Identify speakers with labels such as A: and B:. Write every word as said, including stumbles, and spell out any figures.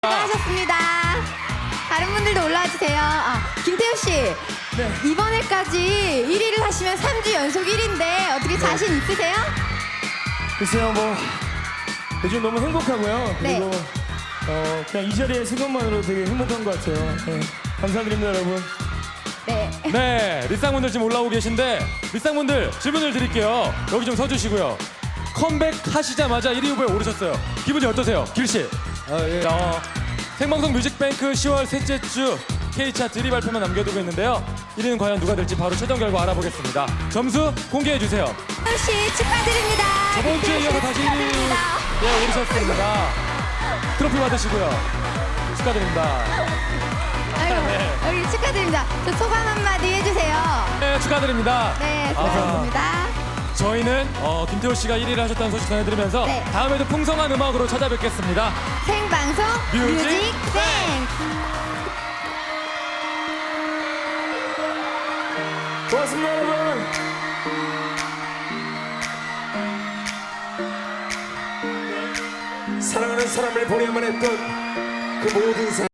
A: 수고하셨습니다. 다른 분들도 올라와 주세요. 아, 김태우 씨.
B: 네.
A: 이번에까지 일 위를 하시면 삼 주 연속 일 위인데 어떻게 자신 있으세요?
B: 글쎄요, 뭐 요즘 너무 행복하고요.
A: 네.
B: 그리고 어, 그냥 이 자리에 있는 것만으로 되게 행복한 것 같아요. 네. 감사드립니다, 여러분.
A: 네.
C: 네, 리쌍분들 지금 올라오고 계신데 리쌍분들 질문을 드릴게요. 여기 좀 서주시고요. 컴백하시자마자 일 위 후보에 오르셨어요. 기분이 어떠세요? 길씨.
B: 아, 예.
C: 어, 생방송 뮤직뱅크 시월 셋째 주 K차트 일 위 발표만 남겨두고 있는데요. 일 위는 과연 누가 될지 바로 최종 결과 알아보겠습니다. 점수 공개해주세요.
A: 태우 씨 축하드립니다.
C: 저번 주에 이어서 다시 일 위
A: 축하드립니다.
C: 예, 오르셨습니다. 트로피 받으시고요. 축하드립니다.
A: 아이고,
C: 네.
A: 여기 축하드립니다. 저 소감 한마디 해주세요.
C: 네, 축하드립니다.
A: 네,
C: 아.
A: 수고하셨습니다.
C: 저희는 어, 김태호 씨가 일 위를 하셨다는 소식 전해드리면서
A: 네.
C: 다음에도 풍성한 음악으로 찾아뵙겠습니다.
A: 생방송
C: 뮤직
A: 뮤직뱅.
B: 고맙습니다, 여러분.
D: 사랑하는 사람을 보내야만 했던 그 모든 사람